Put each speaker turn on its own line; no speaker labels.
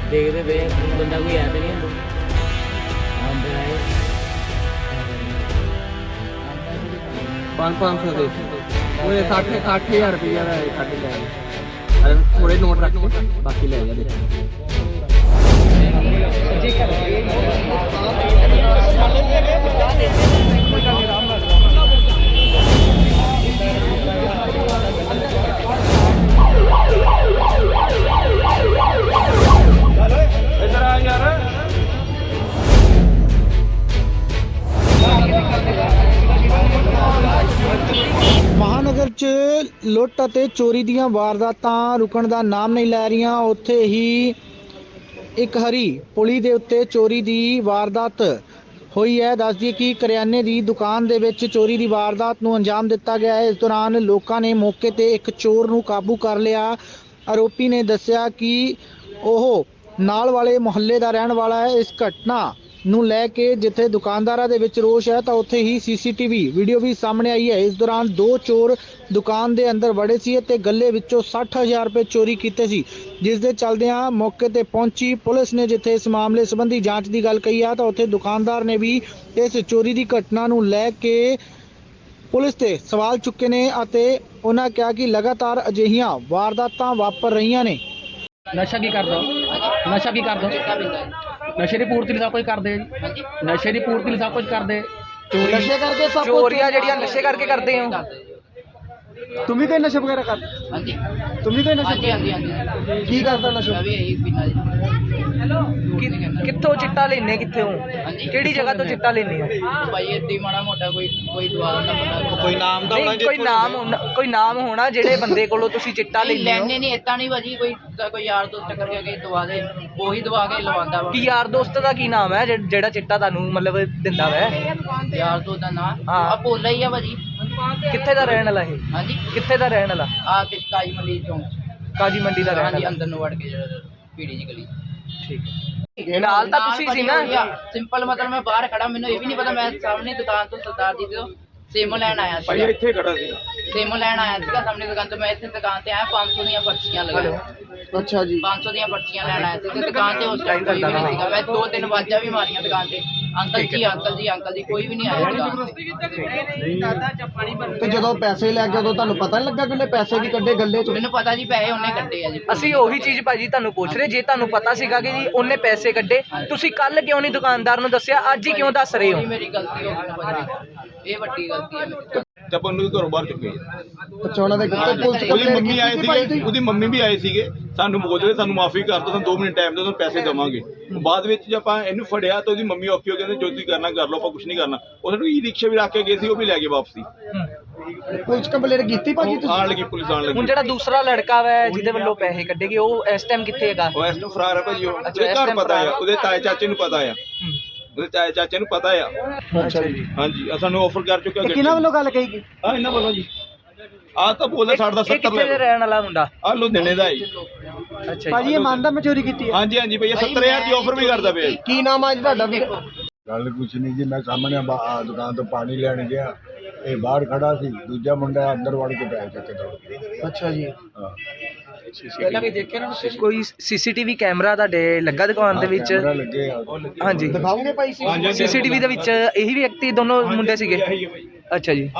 देखते पे बंदा कोई है तो नहीं अंदर आए
500 ਦੇ ਉਹ 60,000 ਰੁਪਇਆ ਦਾ ਕੱਢ ਲਿਆ ਅਰੇ ਥੋੜੇ ਨੋਟ ਰੱਖ ਕੇ ਬਾਕੀ ਲੈ ਜਾ ਦੇ
इधर आ यार
ਮਹਾਨਗਰ 'ਚ ਲੁੱਟ ਅਤੇ ਚੋਰੀ ਦੀਆਂ ਵਾਰਦਾਤਾਂ ਰੁਕਣ ਦਾ ਨਾਮ ਨਹੀਂ ਲੈ ਰਹੀਆਂ। ਉੱਥੇ ਹੀ ਇੱਕ ਹਰੀ ਪੁਲੀ ਦੇ ਉੱਤੇ ਚੋਰੀ ਦੀ ਵਾਰਦਾਤ ਹੋਈ ਹੈ। ਦੱਸ ਦਈਏ ਕਿ ਕਰਿਆਨੇ ਦੀ ਦੁਕਾਨ ਦੇ ਵਿੱਚ ਚੋਰੀ ਦੀ ਵਾਰਦਾਤ ਨੂੰ ਅੰਜਾਮ ਦਿੱਤਾ ਗਿਆ ਹੈ। ਇਸ ਦੌਰਾਨ ਲੋਕਾਂ ਨੇ ਮੌਕੇ ਤੇ ਇੱਕ ਚੋਰ ਨੂੰ ਕਾਬੂ ਕਰ ਲਿਆ। ਆਰੋਪੀ ਨੇ ਦੱਸਿਆ ਕਿ ਉਹ ਨਾਲ ਵਾਲੇ ਮੁਹੱਲੇ ਦਾ ਰਹਿਣ ਵਾਲਾ ਹੈ। ਇਸ ਘਟਨਾ ਨੂੰ ਲੈ ਕੇ ਜਿੱਥੇ ਦੁਕਾਨਦਾਰਾਂ ਦੇ ਵਿੱਚ ਰੋਸ਼ ਹੈ ਤਾਂ ਉੱਥੇ ਹੀ ਸੀਸੀਟੀਵੀ ਵੀਡੀਓ ਵੀ ਸਾਹਮਣੇ ਆਈ ਹੈ। ਇਸ ਦੌਰਾਨ ਦੋ ਚੋਰ ਦੁਕਾਨ ਦੇ ਅੰਦਰ ਵੜੇ ਸੀ ਅਤੇ ਗੱਲੇ ਵਿੱਚੋਂ 60,000 ਰੁਪਏ ਚੋਰੀ ਕੀਤੇ ਸੀ, ਜਿਸ ਦੇ ਚੱਲਦਿਆਂ ਮੌਕੇ ਤੇ ਪਹੁੰਚੀ ਪੁਲਿਸ ਨੇ ਜਿੱਥੇ ਇਸ ਮਾਮਲੇ ਸੰਬੰਧੀ ਜਾਂਚ ਦੀ ਗੱਲ ਕਹੀ ਆ ਤਾਂ ਉੱਥੇ ਦੁਕਾਨਦਾਰ ਨੇ ਵੀ ਇਸ ਚੋਰੀ ਦੀ ਘਟਨਾ ਨੂੰ ਲੈ ਕੇ ਪੁਲਿਸ ਤੇ ਸਵਾਲ ਚੁੱਕੇ ਨੇ ਅਤੇ ਉਹਨਾਂ ਕਿਹਾ ਕਿ ਲਗਾਤਾਰ ਅਜਿਹੀਆਂ ਵਾਰਦਾਤਾਂ ਵਾਪਰ ਰਹੀਆਂ ਨੇ।
ਨਸ਼ਾ ਕੀ ਕਰਦਾ ਨਸ਼ਾ ਕੀ ਕਰਦਾ ਨਸ਼ੇ ਦੀ ਪੂਰਤੀ ਲਈ ਸਭ ਕੁਝ ਕਰਦੇ ਆ ਜੀ ਨਸ਼ੇ ਦੀ ਪੂਰਤੀ ਲਈ ਸਭ ਕੁਝ ਕਰਦੇ ਚੋਰੀ
ਨਸ਼ੇ ਕਰਕੇ ਸਭ ਕੁਛ
ਚੋਰੀਆਂ ਜਿਹੜੀਆਂ ਨਸ਼ੇ ਕਰਕੇ ਕਰਦੇ ਹੋ
तुम भी कोई नशा वगैरह कर
हाँ जी
तुम भी कोई नशा
हाँ जी हाँ जी
की करता नशा
मैं भी यही पीना जी
ਕਿੱਥੋਂ ਚਿੱਟਾ ਲੈਣੇ ਕਿੱਥੇ ਹੋ
ਹਾਂਜੀ।
ਕਿਹੜੀ ਜਗ੍ਹਾ ਤੋਂ ਚਿੱਟਾ ਲੈਣੇ ਹੋ
भाई इतनी माड़ा मोटा कोई दवा ना बंदा
कोई नाम
ਨਹੀਂ ਕੋਈ ਨਾਮ ਹੋਣਾ ਜਿਹੜੇ ਬੰਦੇ ਕੋਲੋਂ ਤੁਸੀਂ ਚਿੱਟਾ ਲੈਣੇ ਹੋ
ਲੈਣੇ ਨਹੀਂ ਇਦਾਂ ਨਹੀਂ ਭਾਜੀ ਕੋਈ ਯਾਰ ਦੋਸਤ ਕਰਕੇ ਕੇ ਦਵਾ ਦੇ ਉਹੀ ਦਵਾ ਕੇ ਲਵਾਉਂਦਾ ਵਾ
ਕੀ ਯਾਰ ਦੋਸਤ ਦਾ ਕੀ ਨਾਮ ਹੈ ਜਿਹੜਾ ਚਿੱਟਾ ਤੁਹਾਨੂੰ ਮਤਲਬ ਦਿੰਦਾ ਵੈ
ਯਾਰ ਦੋਸਤ ਦਾ ਨਾਂ
ਹਾਂ।
ਆ ਭੋਲਾ ਹੀ ਆ ਭਾਜੀ
ਕਿੱਥੇ ਦਾ ਰਹਿਣ ਵਾਲਾ ਇਹ
ਹਾਂਜੀ
ਕਿੱਥੇ ਦਾ ਰਹਿਣ ਵਾਲਾ
ਆ ਕਿ ਕਾਜੀ ਮੰਡੀ ਚੌਂਕ
ਕਾਜੀ ਮੰਡੀ ਦਾ ਰਹਿਣ
ਹਾਂਜੀ
ਵਾਲਾ
ਅੰਦਰ ਨੂੰ ਵੜ ਕੇ ਜਿਹੜਾ ਪੀੜੀ ਜੀ ਗਲੀ
ਠੀਕ ਹੈ ਨਾਲ ਤਾਂ ਤੁਸੀਂ ਸੀ ਨਾ
ਸਿੰਪਲ ਮਤਲਬ ਮੈਂ ਬਾਹਰ ਖੜਾ ਮੈਨੂੰ ਇਹ ਵੀ ਨਹੀਂ ਪਤਾ ਮੈਂ ਸਾਹਮਣੇ ਦੁਕਾਨ ਤੋਂ ਸਰਦਾਰ ਜੀ ਤੋਂ ਸੇਮੋ ਲੈਣ ਆਇਆ
ਭਾਈ
ਸੀ
ਇੱਥੇ ਖੜਾ ਸੀ
ਸੇਮੋ ਲੈਣ ਆਇਆ ਸੀਗਾ ਸਾਹਮਣੇ ਦੁਕਾਨ ਤੋਂ ਮੈਂ ਇੱਥੇ ਦੁਕਾਨ ਤੇ ਆਇਆ 500 ਦੀਆਂ ਪਰਚੀਆਂ ਲਗਾ
अच्छा जी
500 ਦੀਆਂ ਪਰਚੀਆਂ ਲੈਣ ਆਇਆ ਸੀ ਤੇ ਦੁਕਾਨ ਤੇ ਉਸ ਟਾਈਮ ਕੋਈ ਵੀ ਨਹੀਂ ਸੀਗਾ ਮੈਂ 2-3 ਵਾਜਾਂ ਵੀ ਮਾਰੀਆਂ ਦੁਕਾਨ ਤੇ ਅੰਕਲ ਜੀ ਕੋਈ ਵੀ ਨਹੀਂ ਆਇਆ ਦੁਕਾਨ ਤੇ
ਤੇ ਜਦੋਂ ਪੈਸੇ ਲੈ ਕੇ ਉਦੋਂ ਤੁਹਾਨੂੰ ਪਤਾ ਨਹੀਂ ਲੱਗਾ ਕਿ ਉਹਨੇ ਪੈਸੇ ਵੀ ਕੱਢੇ ਗੱਲੇ ਚੋਂ?
ਮੈਨੂੰ ਪਤਾ ਜੀ ਪੈਸੇ ਉਹਨੇ ਕੱਢੇ ਆ ਜੀ
ਅਸੀਂ ਉਹੀ ਚੀਜ਼ ਭਾਜੀ ਤੁਹਾਨੂੰ ਪੁੱਛ ਰਹੇ ਜੇ ਤੁਹਾਨੂੰ ਪਤਾ ਸੀਗਾ ਕਿ ਜੀ ਉਹਨੇ ਪੈਸੇ ਕੱਢੇ ਤੁਸੀਂ ਕੱਲ ਕਿਉਂ ਨਹੀਂ ਦੁਕਾਨਦਾਰ ਨੂੰ ਦੱਸਿਆ ਅੱਜ ਹੀ ਕਿਉਂ ਦੱਸ ਰਹੇ ਹੋ
ਇਹ ਮੇਰੀ ਗਲਤੀ ਹੋ ਗਈ ਭਾਜੀ ਇਹ ਵੱਡੀ ਗਲਤੀ ਹੈ ਮੇਰੀ
ਜਦ ਉਹਨੂੰ ਘਰੋਂ ਬਾਹਰ ਚੁੱਕੇ
ਅੱਛਾ ਉਹਨਾਂ ਦੇ ਪੁਲਿਸ
ਉਹਦੀ ਮੰਮੀ ਆਏ ਸੀਗੇ ਉਹਦੀ ਮੰਮੀ ਵੀ ਆਏ ਸੀਗੇ ਸਾਨੂੰ ਬੋਲਦੇ ਸਾਨੂੰ ਮਾਫੀ ਕਰ ਦਿਓ ਤੁਹਾਨੂੰ 2 ਮਿੰਟ ਟਾਈਮ ਦਿਓ ਤੁਹਾਨੂੰ ਪੈਸੇ ਦੇਵਾਂਗੇ ਬਾਅਦ ਵਿੱਚ ਜੇ ਆਪਾਂ ਇਹਨੂੰ ਫੜਿਆ ਤਾਂ ਉਹਦੀ ਮੰਮੀ ਔਖੀ ਹੋ ਕਹਿੰਦੇ ਜੋ ਤੁਸੀਂ ਕਰਨਾ ਕਰ ਲਓ ਆਪਾਂ ਕੁਝ ਨਹੀਂ ਕਰਨਾ ਉਹ ਸਾਨੂੰ ਈ ਰਿਕਸ਼ਾ ਵੀ ਰੱਖ ਕੇ ਗਏ ਸੀ ਉਹ ਵੀ ਲੈ ਗਏ ਵਾਪਸੀ
ਪੁਲਿਸ ਕੰਪਲੇਂਟ ਕੀਤੀ ਭਾਜੀ
ਉਹ ਆਣ ਲੱਗੀ ਪੁਲਿਸ ਆਣ
ਹੁਣ
ਲੱਗੀ
ਜਿਹੜਾ ਦੂਸਰਾ ਲੜਕਾ ਵਾ ਜਿਹਦੇ ਵੱਲੋਂ ਪੈਸੇ ਕੱਢੇ ਗਏ ਉਹ ਇਸ ਟਾਈਮ ਕਿੱਥੇ ਹੈਗਾ
ਉਹ ਇਸ ਨੂੰ ਫਰਾਰ ਹੈ ਭਾਜੀ ਉਹ
ਅੱਛਾ,
ਉਹਦੇ
ਇਸ
ਘਰ
time
ਪਤਾ ਆ
ਫਰਾਰ।
ਉਹਦੇ ਤਾਏ ਚਾਚੇ ਨੂੰ ਪਤਾ ਆ ਉਹਦੇ ਤਾਏ ਚਾਚੇ ਨੂੰ ਪਤਾ ਆ
ਅੱਛਾ ਜੀ
ਹਾਂਜੀ ਆ ਸਾਨੂੰ ਆਫਰ ਕਰ ਚੁੱਕਿਆ
ਕਿਹਨਾਂ ਵੱਲੋਂ ਗੱਲ ਕਹੀ ਗਈ?
ਆ ਇਹਨਾਂ ਵੱਲੋਂ ਜੀ ਆ ਤਾਂ ਬੋਲਦਾ ਸਾਡਾ
ਇਹ
70
ਕਿੱਥੇ ਦੇ ਰਹਿਣ ਵਾਲਾ ਮੁੰਡਾ
ਆ ਲੁਧਿਆਣੇ ਦਾ ਹੈ
ਅੱਛਾ
ਭਾਜੀ ਇਹ ਮੰਨਦਾ ਮੈਂ ਚੋਰੀ ਕੀਤੀ ਹੈ?
ਹਾਂਜੀ ਹਾਂਜੀ ਭਈਆ 70000 ਦੀ ਆਫਰ ਵੀ ਕਰਦਾ ਪਿਆ ਜੀ।
ਕੀ ਨਾਮ ਆ ਜੀ ਤੁਹਾਡਾ?
ਗੱਲ ਕੁਛ ਨਹੀਂ ਜੀ ਮੈਂ ਸਾਹਮਣੇ ਦੁਕਾਨ ਤੋਂ ਪਾਣੀ ਲੈਣ ਗਿਆ ਇਹ ਬਾਹਰ ਖੜਾ ਸੀ ਦੂਜਾ ਮੁੰਡਾ ਅੰਦਰ ਵੜ ਕੇ ਪੈਸੇ ਚੱਕੇ ਦੌੜ
ਅੱਛਾ ਜੀ
ਹਾਂ
ਪਹਿਲਾਂ ਵੀ ਦੇਖਿਆ ਨਾ ਕੋਈ ਸੀਸੀਟੀਵੀ ਕੈਮਰਾ ਤੁਹਾਡੇ ਲੱਗਾ ਦੁਕਾਨ ਦੇ ਵਿੱਚ
ਕੈਮਰਾ ਲੱਗੇ ਆ
ਹਾਂਜੀ
ਦਿਖਾਓਗੇ ਭਾਈ
ਸੀਸੀਟੀਵੀ ਦੇ ਵਿੱਚ ਇਹੀ ਵਿਅਕਤੀ ਦੋਨੋਂ ਮੁੰਡੇ ਸੀਗੇ ਅੱਛਾ ਜੀ